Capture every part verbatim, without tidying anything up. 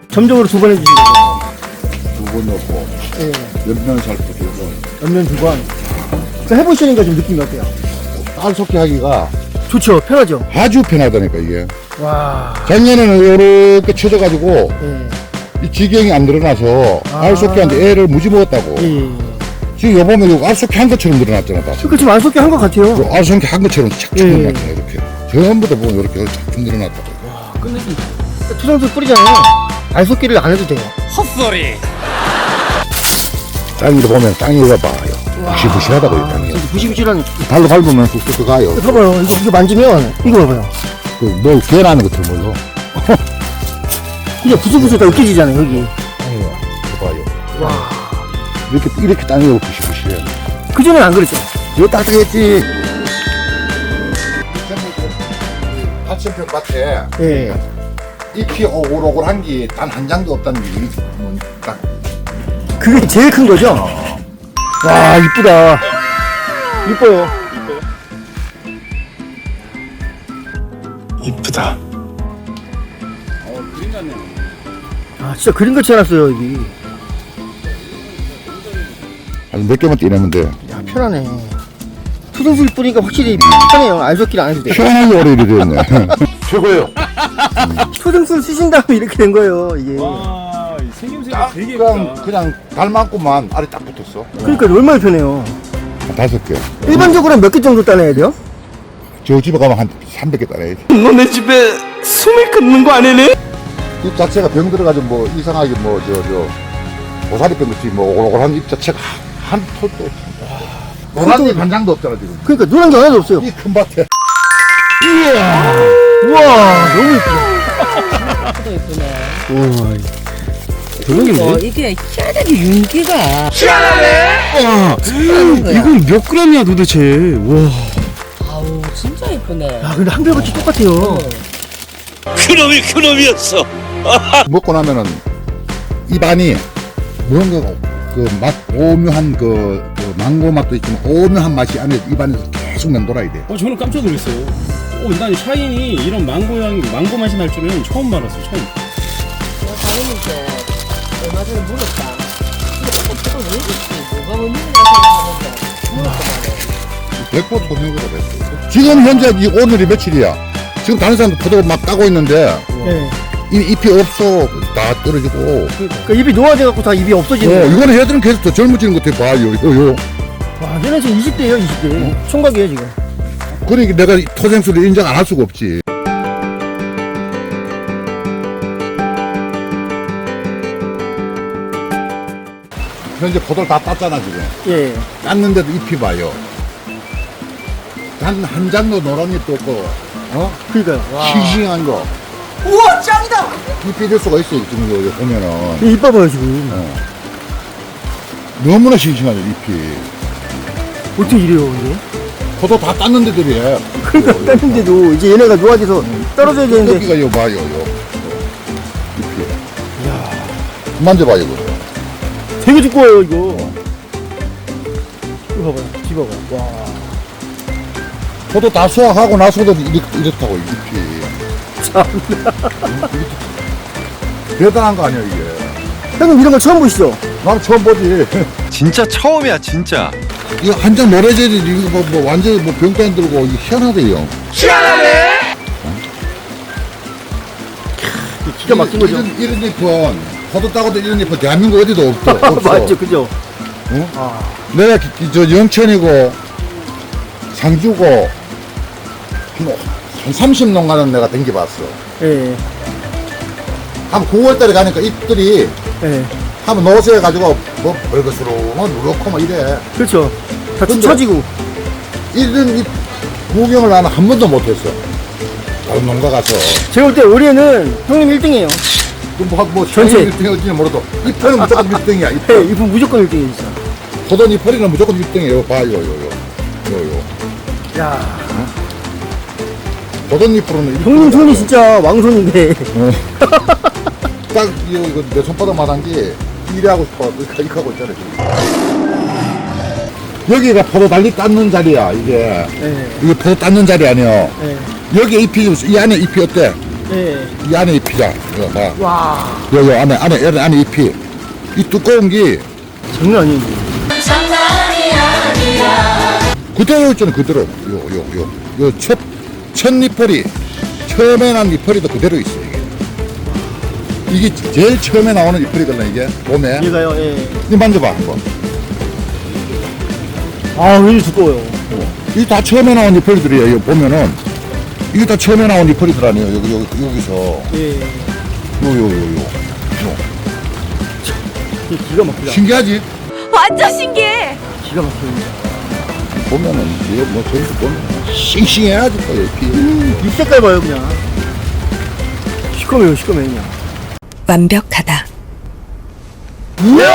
점적으로 두 번 해주시는 거예요. 두 번 넣고 예. 옆면 살포 두 번. 옆면 두 번. 자, 해보시니까 좀 느낌이 어때요? 딸 섞기 하기가 좋죠. 편하죠. 아주 편하다니까 이게. 와. 작년에는 이렇게 쳐져가지고 예. 이 지경이 안 늘어나서 아. 알 섞기한테 애를 무지 먹었다고. 예. 지금 여보면 이거 알 섞기 한 것처럼 늘어났잖아. 다. 그러니까 지금 안 섞여 한 것 같아요. 알 섞기 한 것처럼 착착 예. 늘어났잖아 이렇게. 전부 다 보면 이렇게 착착 늘어났다고. 와, 끝내기. 투정수 뿌리잖아요. 알 섞기를 안 해도 돼요. 헛소리. 땅위로 보면 땅이 이거 봐요. 부시부시하다고 이 땅이. 진짜 부시부시한. 발로 밟으면 쑥쑥 가요. 봐봐요. 이거, 이거 만지면, 이거 봐봐요. 그뭐 개나는 것처럼 뭘로. 이게 부수부수 다 으깨지잖아요, 여기. 이거 봐요. 와. 이렇게 이렇게 땅이 이렇게 부시부시해. 그전엔 안 그랬죠? 이거 따뜻했지. 팔천 평 밭에 예. 잎이 오글오글한 게 단 한 장도 없다는 게 이게 딱. 그게 제일 큰 거죠? 와, 이쁘다. 이뻐요. 이쁘다. 아, 진짜 그림같이 해놨어요, 여기. 아니 몇 개만 떼내면 돼. 야, 편하네. 투정수 뿌리니까 확실히 편해요. 알 섞기를 안 해도 돼. 편하게 오래 이래 됐네. 최고예요. 초등수를 쓰신 다음에 이렇게 된 거예요, 이게. 와, 이 생김새가 딱 되게 그냥 예쁘다. 그냥 달만큼만 알이 딱 붙었어. 그러니까 얼마나 편해요. 다섯 개. 일반적으로 몇 개 정도 따내야 돼요? 저 집에 가면 한 삼백 개 따라야지. 너네 집에 숨을 끊는 거 아니니? 잎 자체가 병 들어가지고 뭐 이상하게 뭐 저 저 고사리병 같이 뭐 오글오글한 잎 자체가 한 톨도 없어. 노란 잎 한 장도 없잖아 지금. 그러니까 노란 게 하나도 없어요. 이 큰 밭에. 이야. 우와, 너무 예쁘다. 도 예쁘네. 우와. 어, 이게 희한하게 윤기가 희한하네. 하는 거야. 이건 몇 그램이야 도대체? 와. 아우 진짜 예쁘네. 야, 근데 한결같이 똑같아요. 그놈이 그놈이었어. 먹고 나면은 입안이 뭔가 그 맛 오묘한 그, 그 망고 맛도 있지만 오묘한 맛이 안에 입안에서 계속 맴돌아야 돼. 어, 저는 깜짝 놀랐어요. 어, 난 샤인이 이런 망고 향, 망고 맛이 날 줄은 처음 알았어요, 처음. 내가 다행인데 얼마 전에 물었다. 근데 조금 조금 왜 그렇지? 뭐가 원인이라 생각하는데 물었더만. 백 퍼센트 소명으로 됐어. 지금 현재 이 오늘이 며칠이야? 지금 다른 사람도 포도 막 따고 있는데 네. 이 잎이 없어. 다 떨어지고. 그러니까 입이 노화돼갖고 다 입이 어, 없어지는 거예요. 이거는 얘들은 계속 더 젊어지는 것 같아. 봐요, 요, 요. 와, 얘는 지금 이십 대예요, 이십 대. 총각이에요, 지금. 그러니까 내가 이 토생수를 인정 안 할 수가 없지. 현재 포도를 다 땄잖아, 지금. 예. 땄는데도 잎이 봐요. 단 한 장도 노란 잎도 없고, 어? 그러니까요. 와. 싱싱한 거. 우와, 짱이다! 잎이 이럴 수가 있어, 지금 여기 보면은. 이 이뻐봐요, 지금. 어. 너무나 싱싱하죠, 잎이. 어떻게 이래요, 이게? 포도 다 땄는데도 이래. 그러니까 땄는데도 이제 얘네가 노화돼서 떨어져야 되는데. 여기가 이거 봐요, 요. 잎이. 이야. 만져봐요, 이거. 되게 두꺼워요, 이거. 이거 봐봐요, 집어봐요. 와. 포도 다 수확하고 나서도 이렇, 이렇다고, 잎이. 참나. 대단한 거 아니야, 이게. 형님 이런 거 처음 보시죠? 나는 처음 보지. 진짜 처음이야 진짜. 이거 한 장 노래져지 이거 뭐, 뭐 완전히 뭐 병까지 들고 이거 희한하대요. 희한하네. 기가 막힌 거죠. 이런, 이런 잎은 포도 따고도 이런 잎은 대한민국 어디도 없어. 없어. 맞죠, 그죠? 어? 아. 내가 기- 기- 저 영천이고 상주고 한, 한 삼십 농가는 내가 댕겨봤어. 예. 한 구월달에 가니까 잎들이 예. 한번 노쇠해가지고 뭐 벌거스로 뭐 누렇고 뭐 이래. 그렇죠. 다 근데- 쳐지고. 이런 잎 구경을 나는 한 번도 못했어. 다른 농가 가서. 제가 볼 때 올해는 형님 일 등이에요. 뭐, 뭐, 전체. 일 등일지는 몰라도, 잎은 무조건 일 등이야, 네, 잎은. 이분 무조건 일 등이에요, 진짜. 포도 잎은 무조건 일 등이에요. 봐요, 요, 요, 요, 요. 야, 포도 잎으로는 일 형님 등이야. 손이 진짜 왕손인데. 어. 딱, 이거, 이거 내 손바닥만 게 일하고 싶어. 이렇게, 이렇게 하고 있잖아, 지금. 여기가 포도 달리 땄는 자리야, 이게. 예. 이게 포도 땄는 자리 아니야. 예. 여기 잎이, 이 안에 잎이 어때? 예. 이 안에 잎이자. 이거 봐. 와, 요, 요 안에, 안에, 안에, 안에 잎이. 이 두꺼운 게 장난 아니에요. 그대로 있잖아, 그대로. 요, 요, 요. 요 첫, 첫 잎벌이, 처음에 난 잎벌이도 그대로 있어, 이게. 이게 제일 처음에 나오는 잎벌이거든, 이게. 봄에. 얘가요, 예. 이 만져봐, 한번. 아, 굉장히 두꺼워요. 이게 다 처음에 나온 잎벌이들이에요, 이거 보면은. 이게 다 처음에 나온 잎벌이들아니에요, 여기, 여기, 여기서. 예. 요, 요, 요, 요. 요. 이게 기가 막히다. 신기하지? 완전 신기해. 기가 막힙니다. 보면은, 이거 뭐, 저기서 보면, 싱싱해야지, 또, 잎이. 잎 색깔 봐요, 그냥. 시커매요, 시커매, 그냥. 완벽하다. 우와!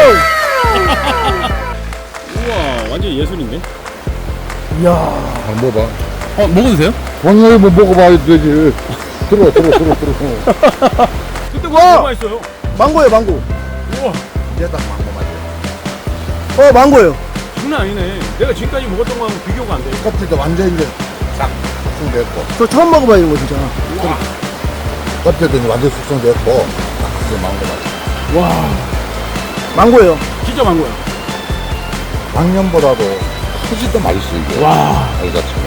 우와 완전 예술인데. 이야. 한번 먹어봐. 어 먹어도 돼요? 당연히 뭐 먹어봐야 되지. 들어, 들어, 들어, 들어. 그때 와! 너무 맛있어요. 망고예요, 망고. 우와 이제 딱 망고 맛이야. 어, 망고예요. 장난 아니네. 내가 지금까지 먹었던 거하고 비교가 안 돼. 껍질도 완전히 이제 싹 숙성됐고, 저 처음 먹어봐요, 이런 거 진짜. 껍질도 이제 완전 숙성됐고, 딱 이제 망고 맛. 와 망고예요. 진짜 망고야. 작년보다도 훨씬 더 맛있어, 이게. 와. 알 자체가.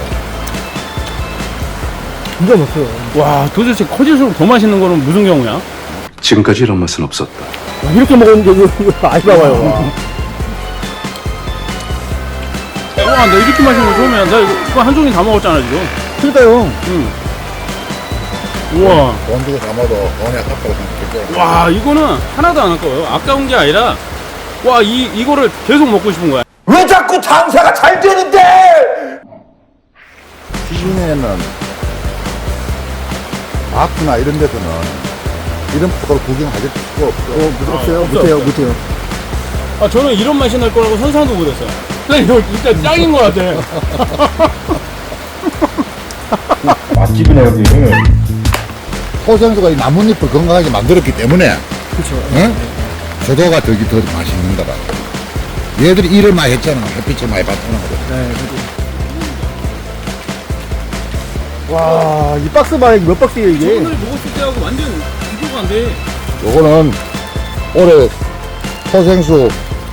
기가 막혀요. 와 도대체 커질수록 더 맛있는 거는 무슨 경우야? 지금까지 이런 맛은 없었다. 와, 이렇게 먹었는데 이거, 이거 많이 나와요. 와. 와 나 이렇게 맛있는 거 처음이야. 나 이거, 이거 한 종이 다 먹었잖아 지금. 그러니까요. 응. 우와. 돈 주고 담아도 돈이 아깝다고 생각했죠. 와 이거는 하나도 안 아까워요. 아까운 게 아니라 와 이 이거를 계속 먹고 싶은 거야. 왜 자꾸 장사가 잘 되는데? 시중에는 마트나 이런 데서는 이런 프로를 구경하실 수가 없어. 어, 못- 없어요. 없어, 못해요, 없어. 못해요. 아 저는 이런 맛이 날 거라고 상상도 못했어요. 나 이거 진짜 짱인 거 같아. 맛집이네, 여기. 호생수가 이 나뭇잎을 건강하게 만들었기 때문에, 그렇죠. 응? 조도가 더, 더 맛있는 거다. 얘들이 일을 많이 했잖아. 햇빛을 많이 받잖아. 네, 그죠. 와, 이 박스 봐요. 이게 몇 박스예요, 이게? 오늘 먹었을 때하고 완전 비교가 안 돼. 요거는 올해 호생수,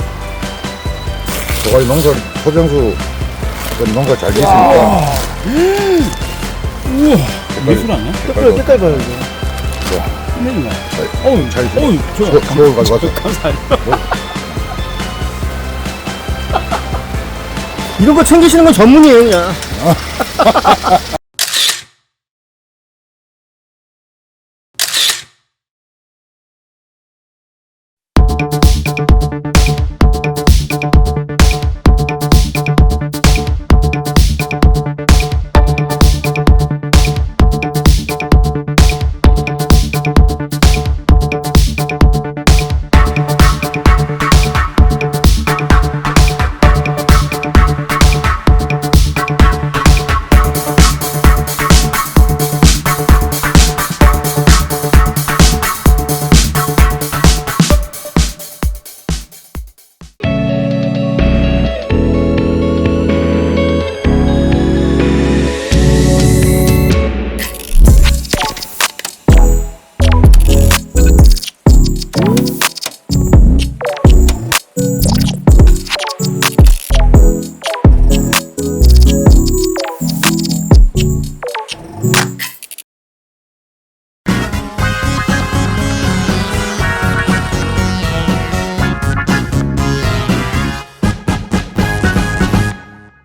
저가 농사, 호생수 농사 잘 됐으니까. 우와 예술 아니야? 색깔, 색깔 봐요, 이거. 끝내준다. 어우, 잘 있어. 어우 좋아. 서- 서울 가져가서. 감사합니다. 이런 거 챙기시는 건 전문이에요, 그냥.